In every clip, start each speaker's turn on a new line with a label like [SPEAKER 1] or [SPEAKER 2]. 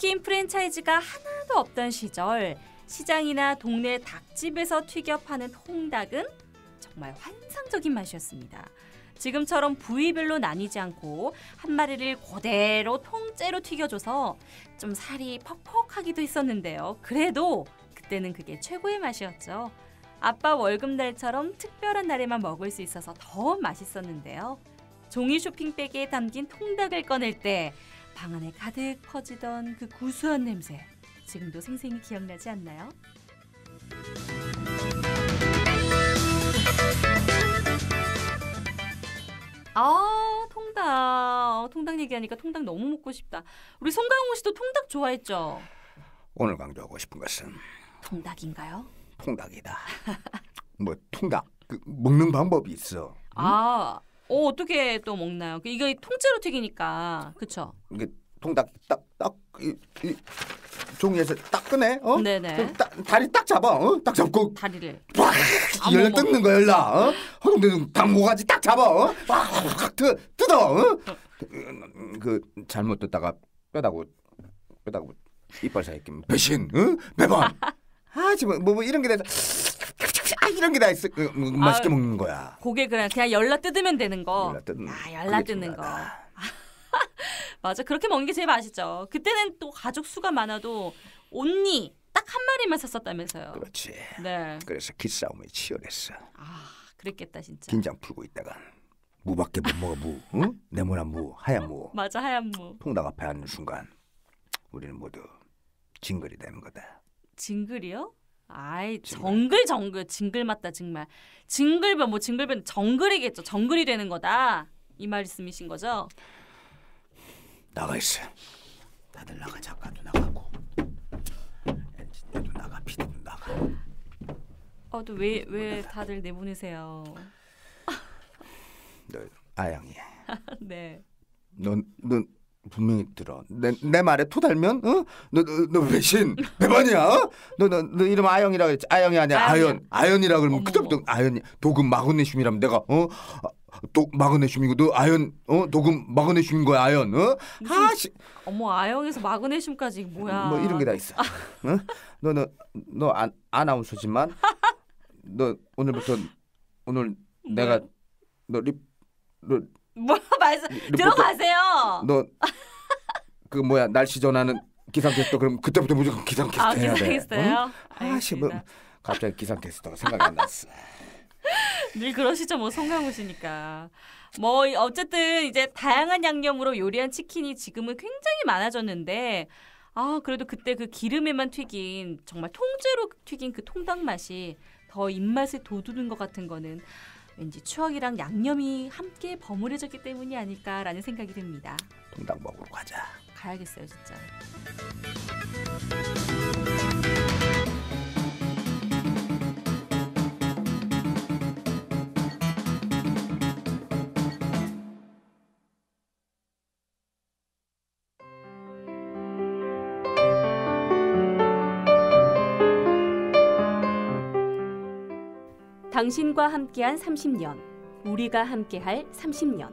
[SPEAKER 1] 치킨 프랜차이즈가 하나도 없던 시절 시장이나 동네 닭집에서 튀겨 파는 통닭은 정말 환상적인 맛이었습니다. 지금처럼 부위별로 나뉘지 않고 한 마리를 그대로 통째로 튀겨줘서 좀 살이 퍽퍽하기도 했었는데요. 그래도 그때는 그게 최고의 맛이었죠. 아빠 월급날처럼 특별한 날에만 먹을 수 있어서 더 맛있었는데요. 종이 쇼핑백에 담긴 통닭을 꺼낼 때 방 안에 가득 퍼지던 그 구수한 냄새, 지금도 생생히 기억나지 않나요? 통닭 얘기하니까 통닭 너무 먹고 싶다. 우리 송강호 씨도 통닭 좋아했죠?
[SPEAKER 2] 오늘 강조하고 싶은 것은
[SPEAKER 1] 통닭인가요?
[SPEAKER 2] 통닭이다. 뭐 통닭 먹는 방법이 있어. 응?
[SPEAKER 1] 어떻게 또 먹나요? 이거 통째로 튀기니까, 그렇죠?
[SPEAKER 2] 이게 통닭 딱 종이에서 딱 꺼내.
[SPEAKER 1] 네네.
[SPEAKER 2] 다리 딱 잡아. 딱 잡고
[SPEAKER 1] 다리를
[SPEAKER 2] 팍 열라 뜯는 거야, 열라. 허둥대둥 닭모가지 딱 잡아. 팍 뜯어. 그 잘못 뜯다가 뼈다고 이빨 사이에 끼면 배신, 매번. 지금 뭐 이런 게 다 이런 게 다 있어. 맛있게 먹는 거야.
[SPEAKER 1] 고개 그냥 열라 뜯으면 되는 거. 열라 뜯는 거. 맞아, 그렇게 먹는 게 제일 맛있죠. 그때는 또 가족 수가 많아도 온니 딱 한 마리만 샀었다면서요.
[SPEAKER 2] 그렇지.
[SPEAKER 1] 네.
[SPEAKER 2] 그래서 기싸움이 치열했어.
[SPEAKER 1] 그랬겠다 진짜.
[SPEAKER 2] 긴장 풀고 있다가 무밖에 못 먹어. 무, 네모난 무, 하얀 무.
[SPEAKER 1] 맞아, 하얀 무.
[SPEAKER 2] 통닭 앞에 앉는 순간 우리는 모두 징글이 되는 거다.
[SPEAKER 1] 징글이요? 정글 징글 맞다 정말. 징글변 정글이겠죠. 정글이 되는 거다. 이 말씀이신 거죠?
[SPEAKER 2] 나가 있어. 다들 나가. 작가도 나가고 엔지니어도 나가. PD도 나가.
[SPEAKER 1] 또 왜 다들 내보내세요?
[SPEAKER 2] 너 아양이야.
[SPEAKER 1] 네.
[SPEAKER 2] 넌 분명히 들어. 내 말에 토 달면 너 배신 배반이야. 너 이름 아영이라고 했지. 아영이 아니야. 아연이라 그러면 그때부터 아연이 도금 마그네슘이라면 내가 또 마그네슘이고 너 아연 도금 마그네슘인 거야. 아연.
[SPEAKER 1] 아영에서 마그네슘까지 뭐야.
[SPEAKER 2] 뭐 이런 게 다 있어. 너 아나운서지만 너 오늘부터 내가 너
[SPEAKER 1] 말씀 들어가세요.
[SPEAKER 2] 너 그 날씨 전하는 기상캐스터 그럼 그때부터 무조건 기상캐스터 해야 돼.
[SPEAKER 1] 기상캐스터요?
[SPEAKER 2] 갑자기 기상캐스터가 생각이 안 났어.
[SPEAKER 1] 늘 그러시죠, 송강호 씨니까. 어쨌든 이제 다양한 양념으로 요리한 치킨이 지금은 굉장히 많아졌는데 그래도 그때 그 기름에만 튀긴 정말 통째로 튀긴 그 통닭 맛이 더 입맛에 돋우는 것 같은 거는 왠지 추억이랑 양념이 함께 버무려졌기 때문이 아닐까라는 생각이 듭니다.
[SPEAKER 2] 통닭 먹으러 가자.
[SPEAKER 1] 가야겠어요, 진짜. 당신과 함께한 30년, 우리가 함께할 30년.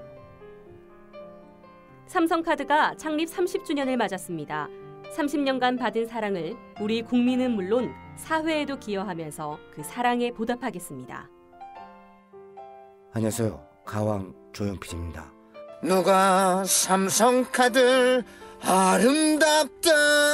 [SPEAKER 1] 삼성카드가 창립 30주년을 맞았습니다. 30년간 받은 사랑을 우리 국민은 물론 사회에도 기여하면서 그 사랑에 보답하겠습니다.
[SPEAKER 2] 안녕하세요. 가왕 조영필입니다. 누가 삼성카드 아름답다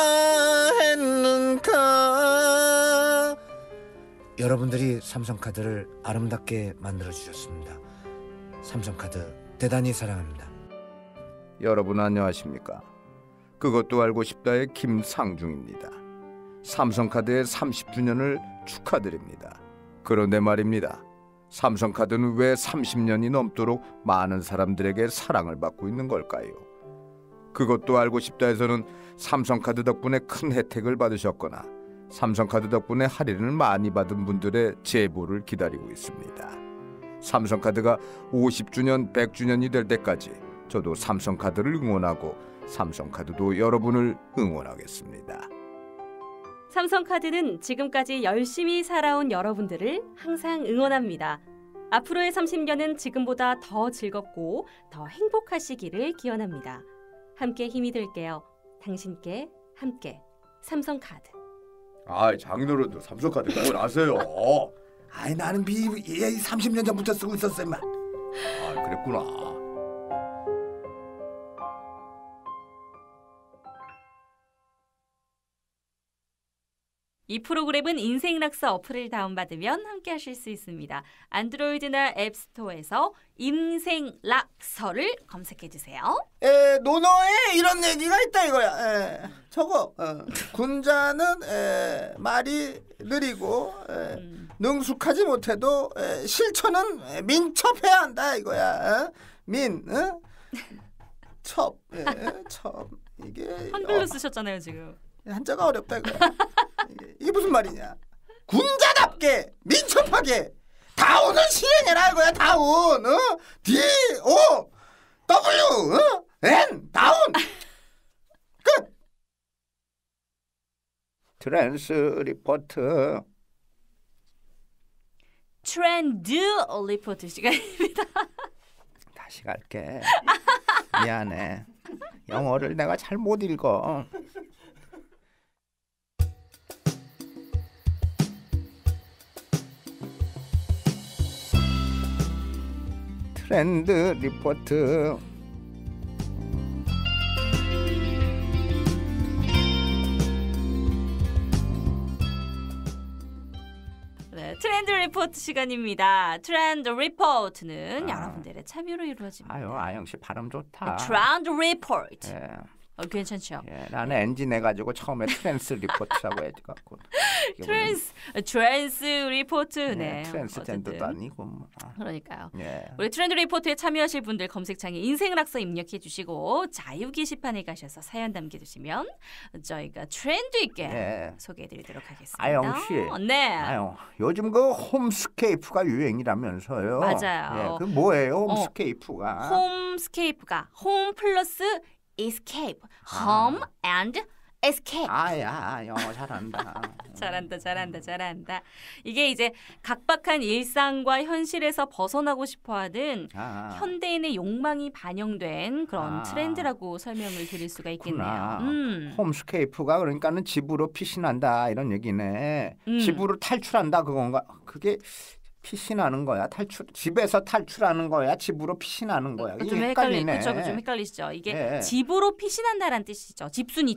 [SPEAKER 2] 했는가? 여러분들이 삼성카드를 아름답게 만들어주셨습니다. 삼성카드 대단히 사랑합니다. 여러분 안녕하십니까? 그것도 알고 싶다의 김상중입니다. 삼성카드의 30주년을 축하드립니다. 그런데 말입니다. 삼성카드는 왜 30년이 넘도록 많은 사람들에게 사랑을 받고 있는 걸까요? 그것도 알고 싶다에서는 삼성카드 덕분에 큰 혜택을 받으셨거나 삼성카드 덕분에 할인을 많이 받은 분들의 제보를 기다리고 있습니다. 삼성카드가 50주년, 100주년이 될 때까지 저도 삼성카드를 응원하고 삼성카드도 여러분을 응원하겠습니다.
[SPEAKER 1] 삼성카드는 지금까지 열심히 살아온 여러분들을 항상 응원합니다. 앞으로의 30년은 지금보다 더 즐겁고 더 행복하시기를 기원합니다. 함께 힘이 될게요. 당신께 함께 삼성카드.
[SPEAKER 2] 아, 장인어른도 삼성카드 그거 나세요. 아이, 나는 30년 전부터 쓰고 있었어, 임마. 아, 그랬구나.
[SPEAKER 1] 이 프로그램은 인생락서 어플을 다운받으면 함께 하실 수 있습니다. 안드로이드나 앱스토어에서 인생락서를 검색해주세요.
[SPEAKER 3] 논어에 이런 얘기가 있다 이거야. 저거 군자는 말이 느리고 능숙하지 못해도 실천은 민첩해야 한다 이거야. 첩 이게
[SPEAKER 1] 한글로 쓰셨잖아요 지금.
[SPEAKER 3] 한자가 어렵다 이거야. 이게 무슨 말이냐? 군자답게 민첩하게 다운을 실행해라 이거야. 다운. D-O-W N 다운. 끝.
[SPEAKER 2] 트랜스 리포트.
[SPEAKER 1] 트렌드 리포트 시간입니다.
[SPEAKER 2] 다시 갈게. 미안해. 영어를 내가 잘 못 읽어. 트렌드 리포트.
[SPEAKER 1] 네, 트렌드 리포트 시간입니다. 트렌드 리포트는 여러분들의 참여로 이루어집니다.
[SPEAKER 2] 아유, 아영 씨 발음 좋다.
[SPEAKER 1] 트렌드 리포트.
[SPEAKER 2] 예.
[SPEAKER 1] 괜찮죠?
[SPEAKER 2] 예, 나는 엔진 해가지고 처음에 트랜스 리포트라고 해갖고.
[SPEAKER 1] 트랜스 리포트. 네.
[SPEAKER 2] 트랜스젠더도 아니고. 뭐.
[SPEAKER 1] 그러니까요.
[SPEAKER 2] 예.
[SPEAKER 1] 우리 트렌드 리포트에 참여하실 분들 검색창에 인생락서 입력해 주시고 자유 게시판에 가셔서 사연 남겨주시면 저희가 트렌드 있게 소개해드리도록 하겠습니다.
[SPEAKER 2] 아영 씨.
[SPEAKER 1] 네.
[SPEAKER 2] 아영, 요즘 그 홈스케이프가 유행이라면서요.
[SPEAKER 1] 맞아요.
[SPEAKER 2] 예, 그 뭐예요, 홈스케이프가?
[SPEAKER 1] 홈스케이프가 홈 플러스 escape, home and escape.
[SPEAKER 2] 아야, 영어 잘한다.
[SPEAKER 1] 잘한다. 이게 이제 각박한 일상과 현실에서 벗어나고 싶어하는 현대인의 욕망이 반영된 그런 트렌드라고 설명을 드릴 수가 있겠네요.
[SPEAKER 2] 홈스케이프가 그러니까는 집으로 피신한다 이런 얘기네. 집으로 탈출한다 그건가? 그게 피신하는 거야? 집에서 탈출하는 거야? 집으로 피신하는 거야?
[SPEAKER 1] 좀 헷갈리네. 그렇죠. 좀 헷갈리시죠. 이게 집으로 피신한다라는 뜻이죠. 집순이.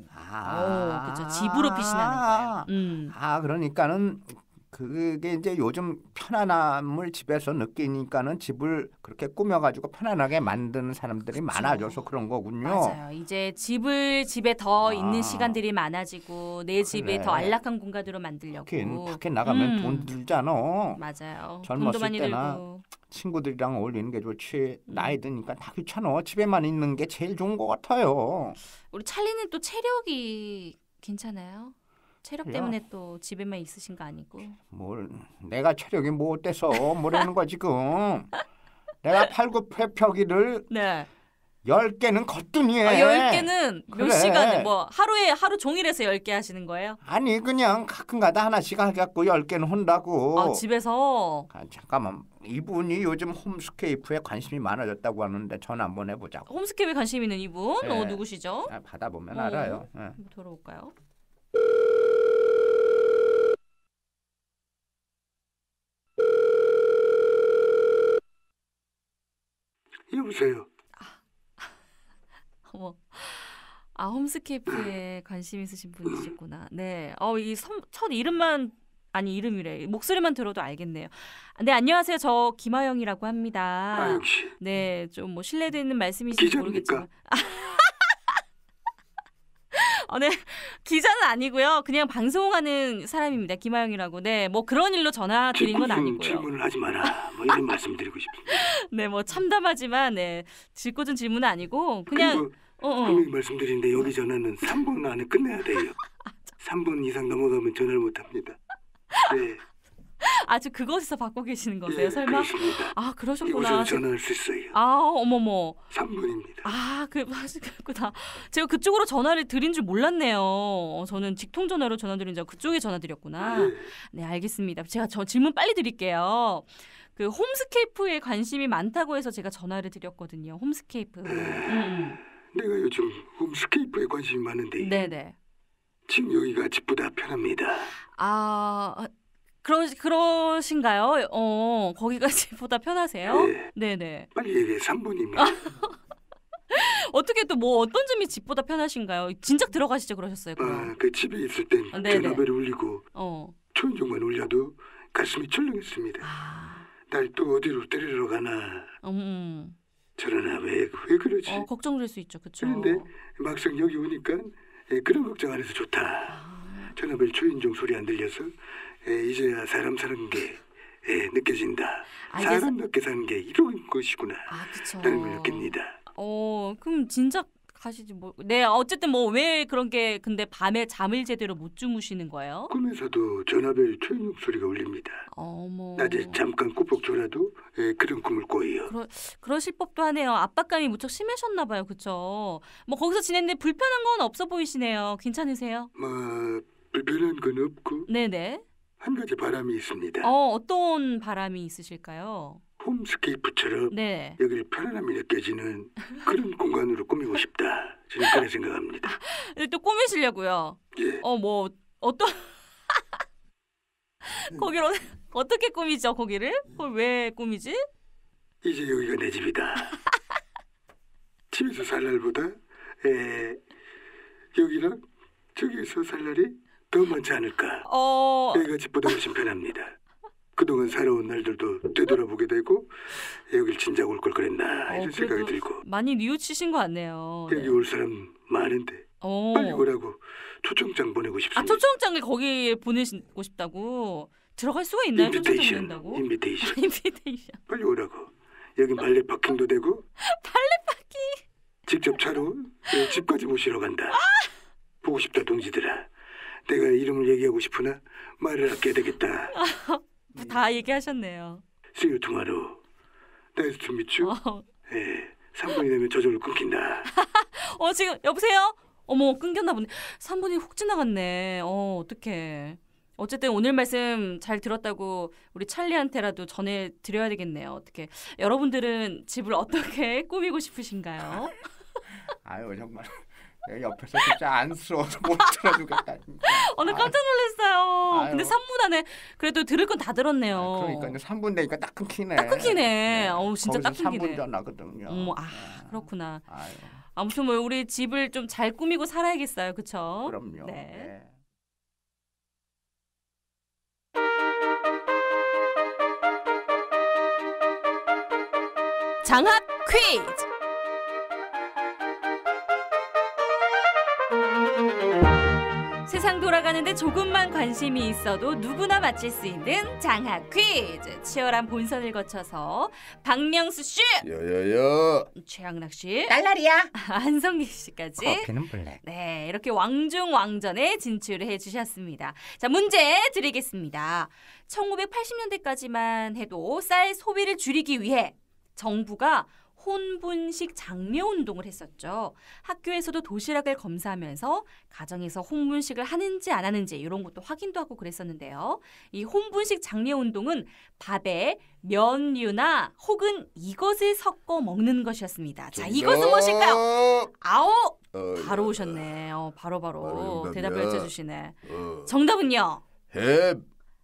[SPEAKER 1] 그렇죠. 집으로 피신하는 거예요.
[SPEAKER 2] 그러니까는 그게 이제 요즘 편안함을 집에서 느끼니까는 집을 그렇게 꾸며가지고 편안하게 만드는 사람들이 많아져서 그런 거군요.
[SPEAKER 1] 맞아요. 이제 집에 더 있는 시간들이 많아지고 내 집에 더 안락한 공간으로 만들려고.
[SPEAKER 2] 밖에 나가면 돈 들잖아.
[SPEAKER 1] 맞아요.
[SPEAKER 2] 젊었을 때나 들고. 친구들이랑 어울리는 게 좋지. 나이 드니까 다 귀찮아. 집에만 있는 게 제일 좋은 것 같아요.
[SPEAKER 1] 우리 찰리는 또 체력이 괜찮아요? 체력 때문에 또 집에만 있으신 거 아니고?
[SPEAKER 2] 뭘 내가 체력이 뭐 어때서 뭐라는 거야 지금. 내가 팔굽혀펴기를 10개는 거뜬히 해.
[SPEAKER 1] 10개는 몇 시간에 뭐 하루 종일 해서 10개 하시는 거예요?
[SPEAKER 2] 아니 그냥 가끔가다 하나씩 해갖고 10개는 한다고.
[SPEAKER 1] 집에서?
[SPEAKER 2] 잠깐만. 이분이 요즘 홈스케이프에 관심이 많아졌다고 하는데 전화 한번 해보자고.
[SPEAKER 1] 홈스케이프에 관심 있는 이분? 누구시죠?
[SPEAKER 2] 받아보면 알아요.
[SPEAKER 1] 들어볼까요?
[SPEAKER 3] 여보세요.
[SPEAKER 1] 홈스케이프에 관심 있으신 분이셨구나. 네. 이 첫 이름만 이름이래. 목소리만 들어도 알겠네요. 네, 안녕하세요. 저 김아영이라고 합니다.
[SPEAKER 3] 역시.
[SPEAKER 1] 네, 좀 뭐 신뢰도 있는 말씀이신지 모르겠지만. 네, 기자는 아니고요. 그냥 방송하는 사람입니다. 김아영이라고. 네, 뭐 그런 일로 전화 드린 건 아니고요.
[SPEAKER 3] 질문을 하지 마라. 뭐 이런 말씀드리고 싶습니다.
[SPEAKER 1] 네, 뭐 참담하지만 짓궂은 질문은 아니고 그냥
[SPEAKER 3] 분명히 말씀드리는데 여기 전화는 3분 안에 끝내야 돼요. 3분 이상 넘어가면 전화를 못 합니다. 네.
[SPEAKER 1] 아주 그곳에서 받고 계시는 거세요, 설마?
[SPEAKER 3] 그렇습니다.
[SPEAKER 1] 그러셨구나.
[SPEAKER 3] 이곳에서 전화할 수 있어요.
[SPEAKER 1] 어머머.
[SPEAKER 3] 3분입니다.
[SPEAKER 1] 그렇구나. 제가 그쪽으로 전화를 드린 줄 몰랐네요. 저는 직통 전화로 전화 드린 줄 알고 그쪽에 전화 드렸구나. 네, 알겠습니다. 제가 질문 빨리 드릴게요. 그 홈스케이프에 관심이 많다고 해서 제가 전화를 드렸거든요. 홈스케이프.
[SPEAKER 3] 내가 요즘 홈스케이프에 관심이 많은데
[SPEAKER 1] 네네.
[SPEAKER 3] 지금 여기가 집보다 편합니다.
[SPEAKER 1] 아, 그러신가요? 거기가 집보다 편하세요?
[SPEAKER 3] 네.
[SPEAKER 1] 네네.
[SPEAKER 3] 빨리 얘기해. 3번입니다.
[SPEAKER 1] 어떻게 또 뭐 어떤 점이 집보다 편하신가요? 진작 들어가시죠 그러셨어요. 그럼.
[SPEAKER 3] 그 집에 있을 땐
[SPEAKER 1] 네네.
[SPEAKER 3] 전화벨을 울리고
[SPEAKER 1] 어.
[SPEAKER 3] 초인종만 울려도 가슴이 철렁했습니다.
[SPEAKER 1] 아,
[SPEAKER 3] 날 또 어디로 데리러 가나. 저러나 왜 그러지?
[SPEAKER 1] 걱정될 수 있죠, 그렇죠.
[SPEAKER 3] 그런데 막상 여기 오니까 그런 걱정 안 해서 좋다.
[SPEAKER 1] 아,
[SPEAKER 3] 전화벨 초인종 소리 안 들려서 이제야 사람 사는 게 느껴진다.
[SPEAKER 1] 이제
[SPEAKER 3] 사람답게 사는 게 이런 것이구나.
[SPEAKER 1] 그렇죠.
[SPEAKER 3] 라는 걸 느낍니다.
[SPEAKER 1] 그럼 진작 가시지 뭐. 네, 어쨌든 뭐 왜 그런 게 근데 밤에 잠을 제대로 못 주무시는 거예요?
[SPEAKER 3] 꿈에서도 전화벨 초인종 소리가 울립니다.
[SPEAKER 1] 어머.
[SPEAKER 3] 낮에 잠깐 꾸벅 졸아도 그런 꿈을 꿔요.
[SPEAKER 1] 그러실 법도 하네요. 압박감이 무척 심하셨나 봐요. 그렇죠? 뭐 거기서 지냈는데 불편한 건 없어 보이시네요. 괜찮으세요?
[SPEAKER 3] 뭐 불편한 건 없고
[SPEAKER 1] 네네.
[SPEAKER 3] 한 가지 바람이 있습니다.
[SPEAKER 1] 어떤 바람이 있으실까요?
[SPEAKER 3] 홈스케이프처럼
[SPEAKER 1] 네.
[SPEAKER 3] 여기를 편안함이 느껴지는 그런 공간으로 꾸미고 싶다. 저는 그렇게 생각합니다.
[SPEAKER 1] 또 꾸미시려고요.
[SPEAKER 3] 예.
[SPEAKER 1] 뭐 어떤 거기를 어떻게 꾸미죠? 거기를? 그걸 왜 꾸미지?
[SPEAKER 3] 이제 여기가 내 집이다. 집에서 살 날보다 여기랑 저기에서 살 날이 더 많지 않을까. 여기가 집보다 훨씬 편합니다. 그동안 살아온 날들도 되돌아보게 되고 여길 진작 올 걸 그랬나 이런 생각이 들고.
[SPEAKER 1] 많이 뉘우치신 것 같네요.
[SPEAKER 3] 여기 올 사람 많은데 빨리 오라고 초청장 보내고 싶습니다.
[SPEAKER 1] 초청장을 거기 보내고 싶다고? 들어갈 수가 있나요? 초청장 보낸다고?
[SPEAKER 3] 인비테이션. 빨리 오라고. 여긴 발레 파킹도 되고.
[SPEAKER 1] 발레 파킹.
[SPEAKER 3] 직접 차로 집까지 모시러 간다. 보고 싶다 동지들아. 내가 이름을 얘기하고 싶으나 말을 아껴야 되겠다.
[SPEAKER 1] 다 얘기하셨네요.
[SPEAKER 3] See you tomorrow. Nice to meet you. 3분이 되면 저절로 끊긴다.
[SPEAKER 1] 지금 여보세요? 어머, 끊겼나 보네. 3분이 훅 지나갔네. 어떡해. 어쨌든 오늘 말씀 잘 들었다고 우리 찰리한테라도 전해드려야 되겠네요. 어떻게 여러분들은 집을 어떻게 꾸미고 싶으신가요?
[SPEAKER 2] 아유 정말 옆에서 진짜 안쓰러워서 못 들어주겠다.
[SPEAKER 1] 오늘 깜짝 놀랐어요.
[SPEAKER 2] 아유.
[SPEAKER 1] 근데 3분 안에 그래도 들을 건 다 들었네요.
[SPEAKER 2] 그러니까 이제 3분 되니까 딱 끊기네.
[SPEAKER 1] 딱 끊기네. 진짜 딱 끊기네.
[SPEAKER 2] 3분 전화거든요.
[SPEAKER 1] 그렇구나.
[SPEAKER 2] 아유.
[SPEAKER 1] 아무튼 뭐 우리 집을 좀 잘 꾸미고 살아야겠어요. 그렇죠?
[SPEAKER 2] 그럼요.
[SPEAKER 1] 네. 장학 퀴즈. 세상 돌아가는데 조금만 관심이 있어도 누구나 맞힐 수 있는 장학 퀴즈. 치열한 본선을 거쳐서 박명수 씨,
[SPEAKER 2] 여여여,
[SPEAKER 1] 최양락 씨,
[SPEAKER 4] 딸날이야.
[SPEAKER 1] 한성기 씨까지
[SPEAKER 4] 커피는 블랙.
[SPEAKER 1] 네, 이렇게 왕중왕전에 진출을 해주셨습니다. 자, 문제 드리겠습니다. 1980년대까지만 해도 쌀 소비를 줄이기 위해 정부가 혼분식 장려 운동을 했었죠. 학교에서도 도시락을 검사하면서 가정에서 혼분식을 하는지 안 하는지 이런 것도 확인도 하고 그랬었는데요. 이 혼분식 장려 운동은 밥에 면류나 혹은 이것을 섞어 먹는 것이었습니다. 자, 이것은 무엇일까요? 아오! 바로 오셨네. 바로 대답을 해주시네. 정답은요?
[SPEAKER 2] 햄.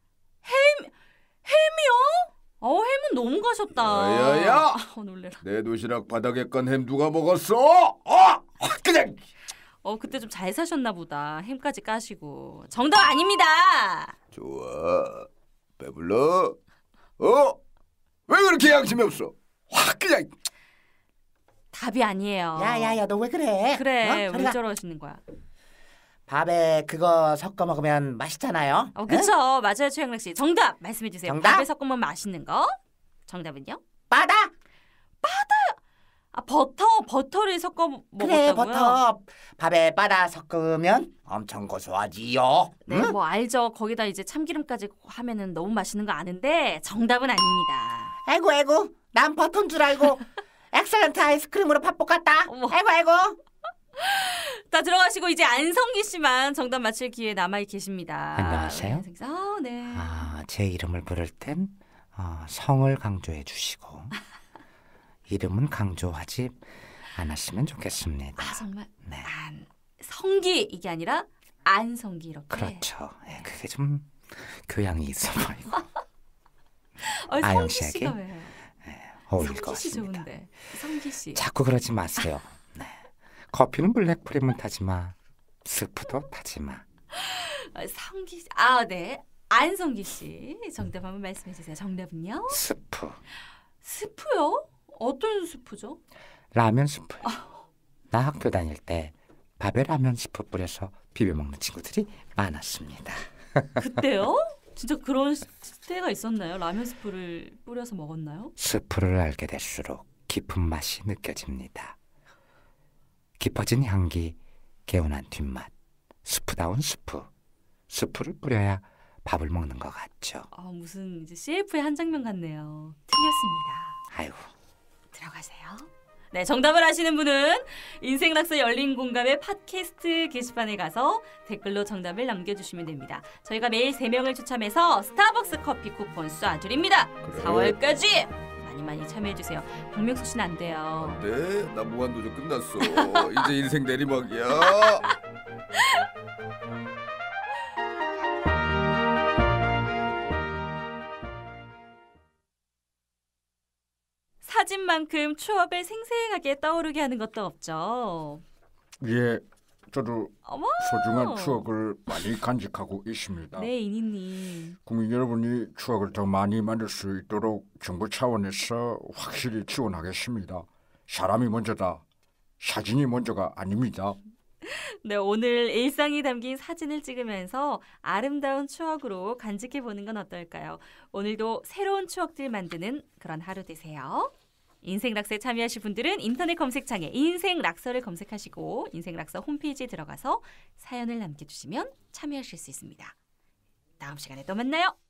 [SPEAKER 1] 햄이요? 햄은 너무 가셨다.
[SPEAKER 2] 야야야!
[SPEAKER 1] 놀래라.
[SPEAKER 2] 내 도시락 바닥에 건 햄 누가 먹었어? 그냥.
[SPEAKER 1] 그때 좀 잘 사셨나 보다. 햄까지 까시고. 정답 아닙니다.
[SPEAKER 2] 좋아. 배불러? 왜 그렇게 양심이 없어? 확 그냥.
[SPEAKER 1] 답이 아니에요.
[SPEAKER 4] 야야야, 너 왜 그래?
[SPEAKER 1] 그래,
[SPEAKER 4] 저리
[SPEAKER 1] 왜
[SPEAKER 4] 가.
[SPEAKER 1] 저러시는 거야?
[SPEAKER 4] 밥에 그거 섞어 먹으면 맛있잖아요.
[SPEAKER 1] 그쵸. 맞아요, 최영락 씨. 정답 말씀해 주세요.
[SPEAKER 4] 정답?
[SPEAKER 1] 밥에 섞으면 맛있는 거. 정답은요?
[SPEAKER 4] 바다.
[SPEAKER 1] 버터를 섞어 먹었다고요?
[SPEAKER 4] 그래, 버터. 밥에 바다 섞으면 엄청 고소하지요.
[SPEAKER 1] 네, 뭐 알죠. 거기다 이제 참기름까지 하면은 너무 맛있는 거 아는데 정답은 아닙니다.
[SPEAKER 4] 아이고, 난 버터인 줄 알고 엑셀런트 아이스크림으로 밥 볶았다.
[SPEAKER 1] 어머.
[SPEAKER 4] 아이고.
[SPEAKER 1] 다 들어가시고 이제 안성기 씨만 정답 맞힐 기회 남아 계십니다.
[SPEAKER 4] 안녕하세요.
[SPEAKER 1] 네.
[SPEAKER 4] 제 이름을 부를 땐 성을 강조해 주시고 이름은 강조하지
[SPEAKER 2] 안 하시면 좋겠습니다.
[SPEAKER 1] 아 정말
[SPEAKER 2] 네.
[SPEAKER 1] 성기 이게 아니라 안성기 이렇게.
[SPEAKER 2] 그렇죠. 네, 그게 좀 교양이 있어 보이고
[SPEAKER 1] 아영 씨에게
[SPEAKER 2] 어울릴 것
[SPEAKER 1] 성기 씨
[SPEAKER 2] 같습니다.
[SPEAKER 1] 좋은데. 성기 씨.
[SPEAKER 2] 자꾸 그러지 마세요. 네. 커피는 블랙프림은 타지 마. 스프도 타지 마.
[SPEAKER 1] 성기 씨. 네. 안성기 씨. 정답 한번 말씀해 주세요. 정답은요?
[SPEAKER 2] 스프.
[SPEAKER 1] 스프요? 어떤 스프죠?
[SPEAKER 2] 라면 스프요. 나 학교 다닐 때 밥에 라면 스프 뿌려서 비벼 먹는 친구들이 많았습니다.
[SPEAKER 1] 그때요? 진짜 그런 때가 있었나요? 라면 스프를 뿌려서 먹었나요?
[SPEAKER 2] 스프를 알게 될수록 깊은 맛이 느껴집니다. 깊어진 향기, 개운한 뒷맛, 스프다운 스프. 스프를 뿌려야 밥을 먹는 것 같죠.
[SPEAKER 1] 무슨 이제 CF의 한 장면 같네요. 틀렸습니다.
[SPEAKER 2] 아이고.
[SPEAKER 1] 들어가세요. 네, 정답을 아시는 분은 인생락서 열린 공감의 팟캐스트 게시판에 가서 댓글로 정답을 남겨주시면 됩니다. 저희가 매일 3명을 추첨해서 스타벅스 커피 쿠폰 쏴드립니다.
[SPEAKER 2] 그래.
[SPEAKER 1] 4월까지 많이 참여해주세요. 박명수 씨는 안 돼요.
[SPEAKER 2] 네, 나 무한도전 끝났어. 이제 인생 내리막이야.
[SPEAKER 1] 사진만큼 추억을 생생하게 떠오르게 하는 것도 없죠.
[SPEAKER 5] 예, 저도
[SPEAKER 1] 어머.
[SPEAKER 5] 소중한 추억을 많이 간직하고 있습니다.
[SPEAKER 1] 네, 이니님.
[SPEAKER 5] 국민 여러분이 추억을 더 많이 만들 수 있도록 정부 차원에서 확실히 지원하겠습니다. 사람이 먼저다. 사진이 먼저가 아닙니다.
[SPEAKER 1] 네, 오늘 일상이 담긴 사진을 찍으면서 아름다운 추억으로 간직해보는 건 어떨까요? 오늘도 새로운 추억들 만드는 그런 하루 되세요. 인생락서에 참여하실 분들은 인터넷 검색창에 인생락서를 검색하시고 인생락서 홈페이지에 들어가서 사연을 남겨주시면 참여하실 수 있습니다. 다음 시간에 또 만나요.